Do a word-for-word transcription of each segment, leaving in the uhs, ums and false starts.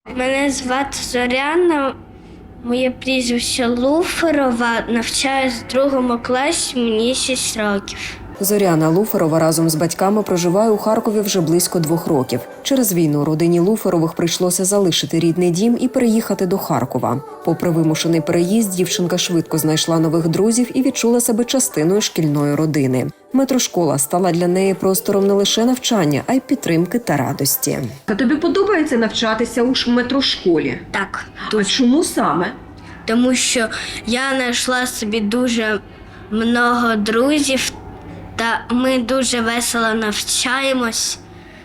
Мене звати Зоряна, моє прізвище Луферова, навчаюсь в другому класі, мені шість років. Зоряна Луферова разом з батьками проживає у Харкові вже близько двох років. Через війну родині Луферових прийшлося залишити рідний дім і переїхати до Харкова. Попри вимушений переїзд, дівчинка швидко знайшла нових друзів і відчула себе частиною шкільної родини. Метрошкола стала для неї простором не лише навчання, а й підтримки та радості. А тобі подобається навчатися у ж метрошколі? Так, А чому саме? тому що я знайшла собі дуже много друзів, та ми дуже весело навчаємось.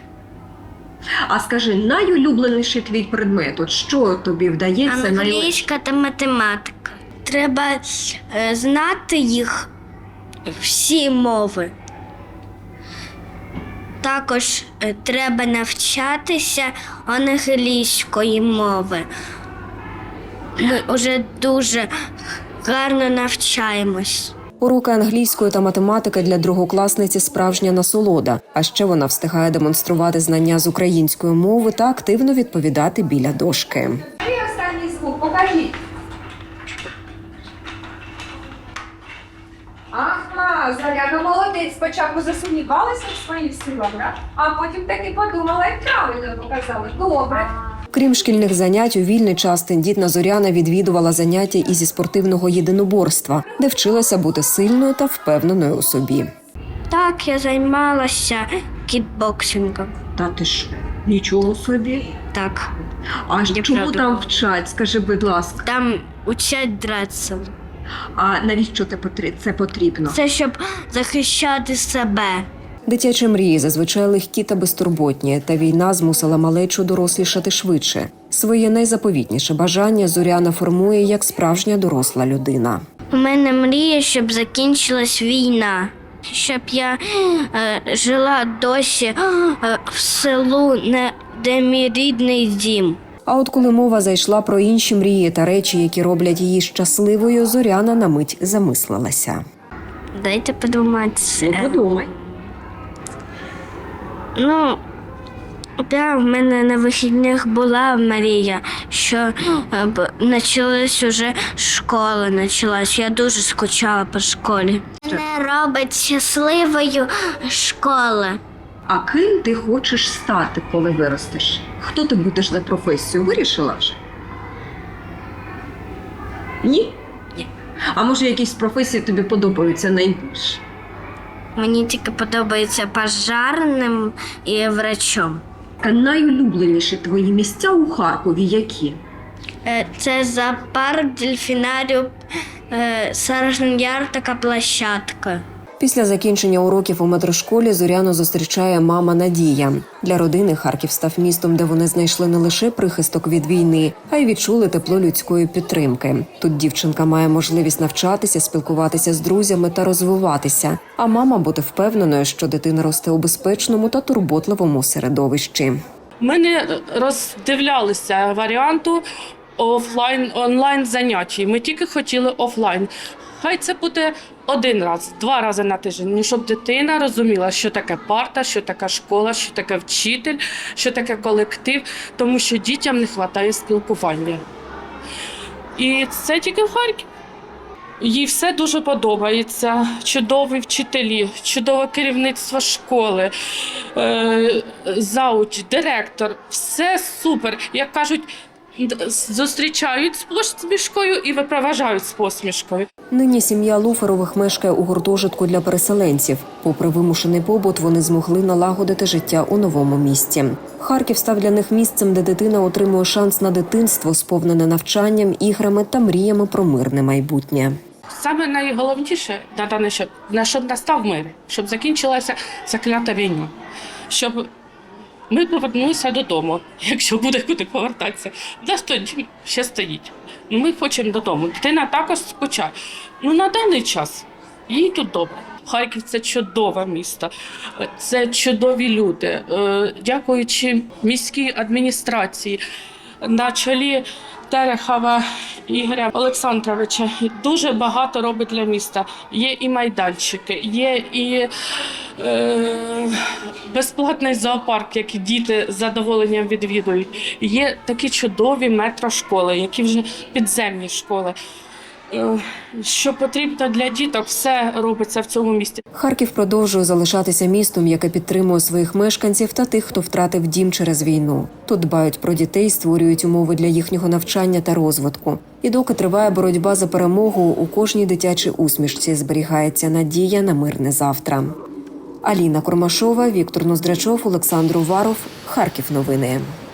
А скажи, найулюбленіший твій предмет, от що тобі вдається? Англійська та математика. Треба е, знати їх всі мови. Також е, треба навчатися англійської мови. Ми вже дуже гарно навчаємось. Уроки англійської та математики для другокласниці – справжня насолода. А ще вона встигає демонструвати знання з української мови та активно відповідати біля дошки. І останній звук, покажіть. Ага, Зоряна, молодець. Спочатку засумнівалася в своїх силах, а потім таки подумала і правильно показала. Добре. Крім шкільних занять, у вільний час тендітна Зоряна відвідувала заняття і зі спортивного єдиноборства, де вчилася бути сильною та впевненою у собі. Так, я займалася кікбоксингом. Та ти ж нічого собі. Так, А Я чому правда. там вчать, скажи, будь ласка. там учать драться. А навіщо це потр- це потрібно? Це щоб захищати себе. Дитячі мрії зазвичай легкі та безтурботні, та війна змусила малечу дорослішати швидше. Своє найзаповітніше бажання Зоряна формує як справжня доросла людина. У мене мрія, щоб закінчилась війна, щоб я е, жила досі е, в селу, не, де мій рідний дім. А от коли мова зайшла про інші мрії та речі, які роблять її щасливою, Зоряна на мить замислилася. Дайте подумати. Ну, подумай. Ну, да, в мене на вихідних була мрія, що е, б- почалась уже школа, почалась. Я дуже скучала по школі. Мене робить щасливою школа. А ким ти хочеш стати, коли виростеш? Хто ти будеш за професію? Вирішила вже? Ні? Ні. А може якісь професії тобі подобаються найбільше? Мені тільки подобається пожарним і врачом. А найулюбленіші твої місця у Харкові які? Е, Це зоопарк, дельфінаріум, е, Саржен Яр, така площадка. Після закінчення уроків у метрошколі Зоряну зустрічає мама Надія. Для родини Харків став містом, де вони знайшли не лише прихисток від війни, а й відчули тепло людської підтримки. Тут дівчинка має можливість навчатися, спілкуватися з друзями та розвиватися. А мама бути впевненою, що дитина росте у безпечному та турботливому середовищі. Ми не роздивлялися варіанту офлайн, онлайн занять. Ми тільки хотіли офлайн. Хай це буде один раз, два рази на тиждень, ну, щоб дитина розуміла, що таке парта, що таке школа, що таке вчитель, що таке колектив, тому що дітям не вистачає спілкування. І це тільки в Харкові. Їй все дуже подобається. Чудові вчителі, чудове керівництво школи, е, зауч, директор. Все супер. Як кажуть, зустрічають з посмішкою і випроваджають з посмішкою. Нині сім'я Луферових мешкає у гуртожитку для переселенців. Попри вимушений побут, вони змогли налагодити життя у новому місті. Харків став для них місцем, де дитина отримує шанс на дитинство, сповнене навчанням, іграми та мріями про мирне майбутнє. Саме найголовніше на дане, щоб, на щоб настав мир, щоб закінчилася заклята війна, щоб ми повернулися додому, якщо буде куди повертатися. Нас тоді ще стоїть. Ми хочемо додому. Дитина також скучає. Ну, на даний час їй тут добре. Харків – це чудове місто, це чудові люди. Е, Дякуючи міській адміністрації, на чолі Терехова Ігоря Олександровича дуже багато робить для міста. Є і майданчики, є і е, безплатний зоопарк, який діти з задоволенням відвідують. Є такі чудові метрошколи, які вже підземні школи. Е, Що потрібно для діток, все робиться в цьому місті. Харків продовжує залишатися містом, яке підтримує своїх мешканців та тих, хто втратив дім через війну. Тут дбають про дітей, створюють умови для їхнього навчання та розвитку. І доки триває боротьба за перемогу, у кожній дитячій усмішці зберігається надія на мирне завтра. Аліна Курмашова, Віктор Ноздрачов, Олександр Уваров. Харків новини.